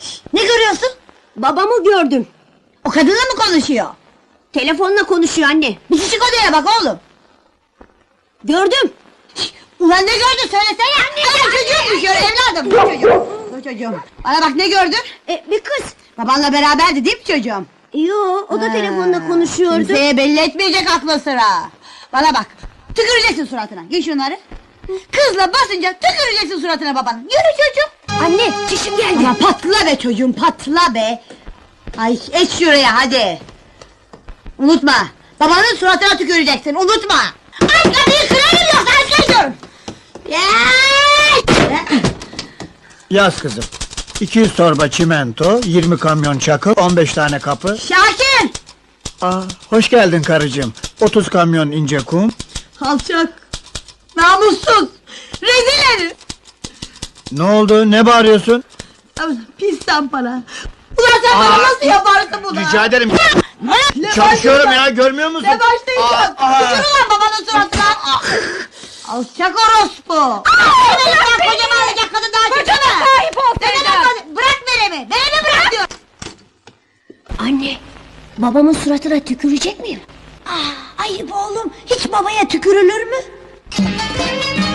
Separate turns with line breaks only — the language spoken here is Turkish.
Ne görüyorsun?
Babamı gördüm.
O kadınla mı konuşuyor?
Telefonla konuşuyor anne.
Bir çık odaya bak oğlum.
Gördüm.
Ulan ne gördün söylesene. Anne çocuğummuş öyle evladım. Bu çocuğum. Bu çocuğum. Bana bak ne gördün?
Bir kız.
Babanla beraberdi değil mi çocuğum?
Yo, o da
Ha,
telefonla konuşuyordu.
Kimseye belli etmeyecek aklı sıra. Bana bak. Tüküreceksin suratına. Giy şunları. Kızla basınca tüküreceksin suratına babanın. Yürü çocuğum.
Anne, çişim geldi.
Ama patla be çocuğum patla be. Ay eç şuraya hadi. Unutma. Babanın suratına tüküreceksin unutma. Ay kapıyı kırarım yoksa açmayacağım.
Yaz kızım. 200 torba çimento, 20 kamyon çakıl, 15 tane kapı.
Şakir.
Hoş geldin karıcığım. 30 kamyon ince kum.
Alçak. Namussuz. Rezil herif.
Ne oldu? Ne bağırıyorsun?
Pis tampara. Ulan sen bana nasıl yaparsın bunu?
Rica ederim.
Ne
Çalışıyorum
başlayacağım?
ya, görmüyor musun?
Ne başlayacağım? Tükür ulan babanın suratına. Alçak orospu. Beni bırak kocamı alacak kadın daha çıktı mı?
sahip olsaydın.
Bırak Merem'i. Merem'i bırak diyor.
Anne, babamın suratına tükürecek miyim?
Ayıp oğlum. Hiç babaya tükürülür mü?